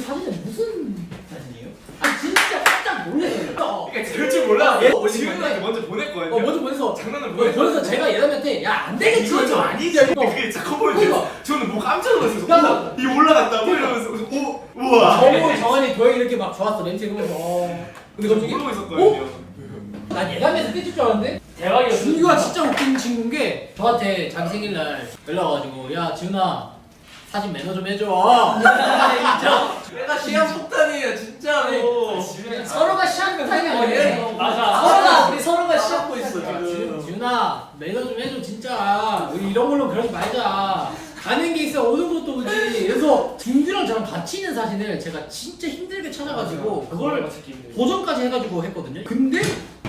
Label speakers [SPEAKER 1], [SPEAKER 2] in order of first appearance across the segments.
[SPEAKER 1] 사진은 무슨 사진이에요? 아 진짜 깜짝 놀랐어요.
[SPEAKER 2] 그러니까 그럴 줄 몰라. 지훈이한테 먼저 보냈거든요.
[SPEAKER 1] 먼저 보내서
[SPEAKER 2] 장난을
[SPEAKER 1] 보내서 제가 예담이한테 야 안 되겠지.
[SPEAKER 2] 이건 좀 아니지. 근데 그게 진짜 커 보이는데 저는 뭐 깜짝 놀랐어요.
[SPEAKER 1] 야,
[SPEAKER 2] 이게 올라갔다고 이러면서 오 우와.
[SPEAKER 1] 정원이 도영이 이렇게 막 좋았어 렌즈 그러면서
[SPEAKER 2] 근데 저 모르고 있었거든요.
[SPEAKER 1] 난 예담에서 끝일 줄 알았는데
[SPEAKER 3] 대박이었어.
[SPEAKER 1] 준규가 진짜 웃긴 친구인 게 저한테 자기 생일날 연락 와가지고 야 지훈아 사진 매너 좀 해줘.
[SPEAKER 4] 내가 시간 폭탄이에요 진짜로.
[SPEAKER 1] 서로가 시합타임이 아니에요.
[SPEAKER 3] 맞아.
[SPEAKER 4] 우리 서로가 시합고 있어 지금.
[SPEAKER 1] 지훈아 매너 좀 해줘 진짜. 우리 이런 걸로 그러지 말자. 가는 게 있어 오는 것도 오지. 그래서 준규랑 저랑 같이 있는 사진을 제가 진짜 힘들게 찾아가지고 그걸 보정까지 해가지고 했거든요. 근데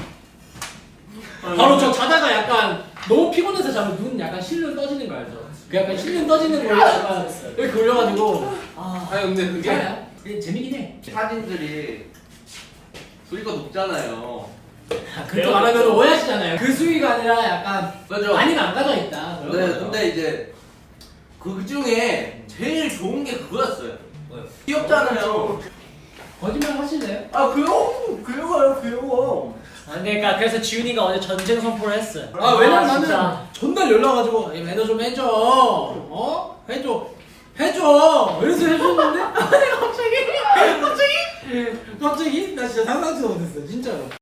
[SPEAKER 1] 바로 저 자다가 약간 너무 피곤해서 자면 눈 약간 실눈 떠지는 거 알죠? 그 약간 실눈 떠지는 거 약간 이렇게 올려가지고
[SPEAKER 4] 아니 근데 그게
[SPEAKER 1] 그게 재미긴 해.
[SPEAKER 4] 사진들이 수위가 높잖아요.
[SPEAKER 1] 그렇게 말하면 오해하시잖아요. 그 수위가 아니라 약간
[SPEAKER 4] 그죠?
[SPEAKER 1] 많이 망가져 있다. 그런
[SPEAKER 4] 네,
[SPEAKER 1] 거죠.
[SPEAKER 4] 근데 이제 그 중에 제일 좋은 게 그거였어요. 귀엽잖아요.
[SPEAKER 1] 거짓말 하실래요?
[SPEAKER 4] 아 귀여워요 귀여워.
[SPEAKER 3] 그러니까 그래서 지훈이가 어제 전쟁 선포를 했어.
[SPEAKER 1] 아 왜냐면 나는
[SPEAKER 3] 진짜.
[SPEAKER 1] 전날 연락 와가지고 매너 좀 해줘. 해줘. 이래서 해줬는데 아니 갑자기 나 진짜 상상치도 못했어 진짜로.